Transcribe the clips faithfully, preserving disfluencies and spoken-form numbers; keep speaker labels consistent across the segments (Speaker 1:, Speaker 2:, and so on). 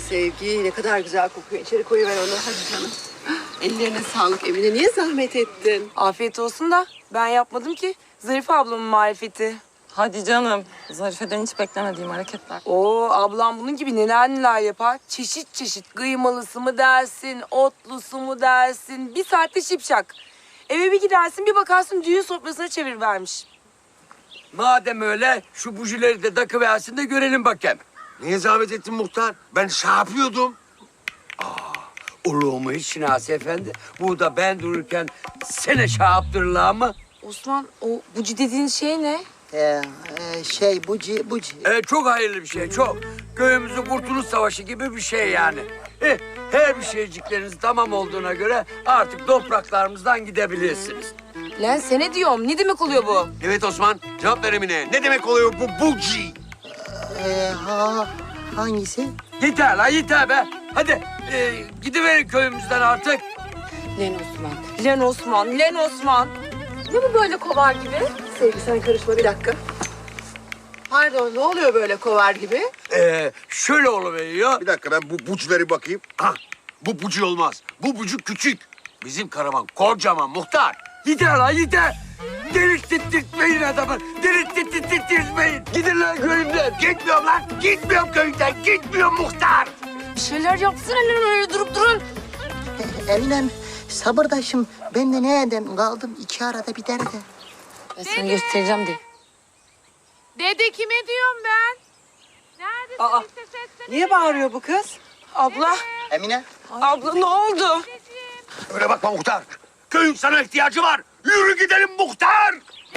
Speaker 1: Sevgi ne kadar güzel kokuyor. İçeri koyuver onu. Hadi canım. Ellerine sağlık Emine. Niye zahmet ettin?
Speaker 2: Afiyet olsun da ben yapmadım ki. Zarife ablamın marifeti.
Speaker 3: Hadi canım. Zarife'den hiç beklemediğim hareketler.
Speaker 2: Oo, ablam bunun gibi neler neler yapar. Çeşit çeşit kıymalısı mı dersin, otlusu mu dersin. Bir saatte şipşak. Eve bir gidersin bir bakarsın düğün sofrasına çevirivermiş.
Speaker 4: Madem öyle şu bujileri de takıversin de görelim bakayım.
Speaker 5: Niye zahmet ettin muhtar? Ben şey yapıyordum.
Speaker 4: Olur mu hiç Şinasi Efendi? Burada ben dururken sene şey yaptırırlar mı?
Speaker 2: Osman o buci dediğin şey ne?
Speaker 6: Ee, e, şey buci buci.
Speaker 4: Ee, çok hayırlı bir şey, çok. Köyümüzün Kurtuluş Savaşı gibi bir şey yani. Eh, her bir şeycikleriniz tamam olduğuna göre artık topraklarımızdan gidebilirsiniz.
Speaker 2: Lan sene diyorum ne demek oluyor bu?
Speaker 5: Evet Osman, cevap ver Emine. Ne demek oluyor bu buci?
Speaker 6: Ee, ha, hangisi?
Speaker 4: Yeter lan yeter be. Hadi e, gidiverin köyümüzden artık.
Speaker 2: Len Osman. Len Osman, Len Osman. Ne bu böyle kovar gibi?
Speaker 1: Sevgi sen karışma bir dakika. Pardon ne oluyor böyle kovar gibi?
Speaker 4: Ee, şöyle oluveriyor.
Speaker 5: Bir dakika ben bu buçları bakayım. Ah, bu buci olmaz. Bu bucu küçük. Bizim karavan kocaman muhtar.
Speaker 4: Yeter lan yeter. Delirttirtmeyin adamı. Delirttirtmeyin. Gidin lan köyümden.
Speaker 5: Gitmiyorum lan. Gitmiyorum köyden. Gitmiyorum muhtar.
Speaker 2: Bir şeyler yapsana lan öyle durup durun.
Speaker 6: Eminem sabırdaşım. Ben de ne edem kaldım iki arada bir derde.
Speaker 2: Ben sana göstereceğim de.
Speaker 7: Dede kime diyorum ben? Neredesin?
Speaker 1: Aa,
Speaker 7: İşte seslene.
Speaker 1: Niye bağırıyor bu kız?
Speaker 2: Abla,
Speaker 6: Emine.
Speaker 2: abla ne oldu?
Speaker 5: Öyle bakma muhtar. Köyün sana ihtiyacı var. Yürü gidelim muhtar.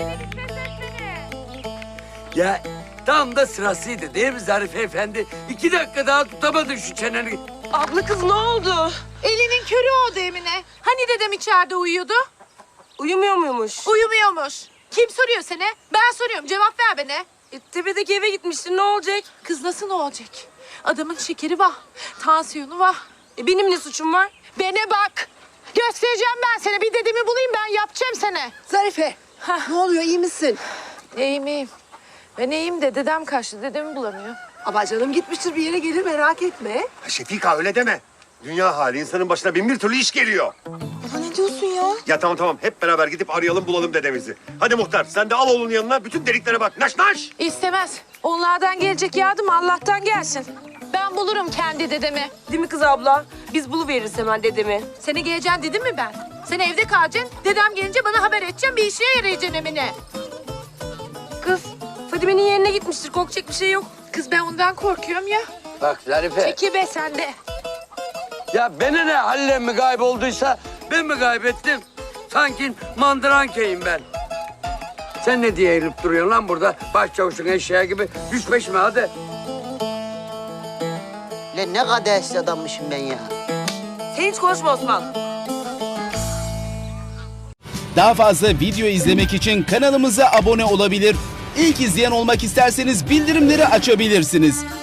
Speaker 4: Ya tam da sırasıydı değil mi Zarife Efendi? İki dakika daha tutamadın şu çeneni.
Speaker 2: Abla kız ne oldu?
Speaker 7: Elinin körü oldu Emine. Hani dedem içeride uyuyordu?
Speaker 2: Uyumuyor muymuş?
Speaker 7: Uyumuyormuş. Kim soruyor seni? Ben soruyorum. Cevap ver bana.
Speaker 2: E, tepedeki eve gitmiştin ne olacak?
Speaker 7: Kız nasıl ne olacak? Adamın şekeri var. Tansiyonu var.
Speaker 2: E, benim ne suçum var?
Speaker 7: Bana bak. Göstereceğim ben sana. Bir dedemi bulayım ben yapacağım sana.
Speaker 1: Zarife. Ne oluyor iyi misin?
Speaker 7: İyiyim iyiyim. Ben iyiyim de dedem kaçtı. Dedemi bulamıyor.
Speaker 1: Ama canım gitmiştir bir yere gelir merak etme.
Speaker 5: Şefika öyle deme. Dünya hali insanın başına bin bir türlü iş geliyor.
Speaker 2: Baba ne diyorsun ya?
Speaker 5: Ya tamam tamam hep beraber gidip arayalım bulalım dedemizi. Hadi muhtar sen de al oğlunun yanına bütün deliklere bak. Naş naş.
Speaker 7: İstemez. Onlardan gelecek yardım Allah'tan gelsin. Ben bulurum kendi dedemi.
Speaker 2: Değil mi kız abla? Biz buluveririz hemen dedemi.
Speaker 7: Seni geleceksin dedim mi ben? Sen evde kalacaksın. Dedem gelince bana haber edeceksin. Bir işine yarayacaksın Emine.
Speaker 2: Kız Fadime'nin yerine gitmiştir korkacak bir şey yok.
Speaker 7: Kız ben ondan korkuyorum ya.
Speaker 4: Bak Zarife.
Speaker 7: Peki be sen de.
Speaker 4: Ya bana ne Halil'e mi kaybolduysa ben mi kaybettim? Sanki mandırankeyim ben. Sen ne diye eğilip duruyorsun lan burada? Başçavuşun eşeği gibi. Düş peşime hadi.
Speaker 6: Lan ne kadar adammışım ben ya.
Speaker 2: Sen hiç konuşma Osman.
Speaker 8: Daha fazla video izlemek için kanalımıza abone olabilir. İlk izleyen olmak isterseniz bildirimleri açabilirsiniz.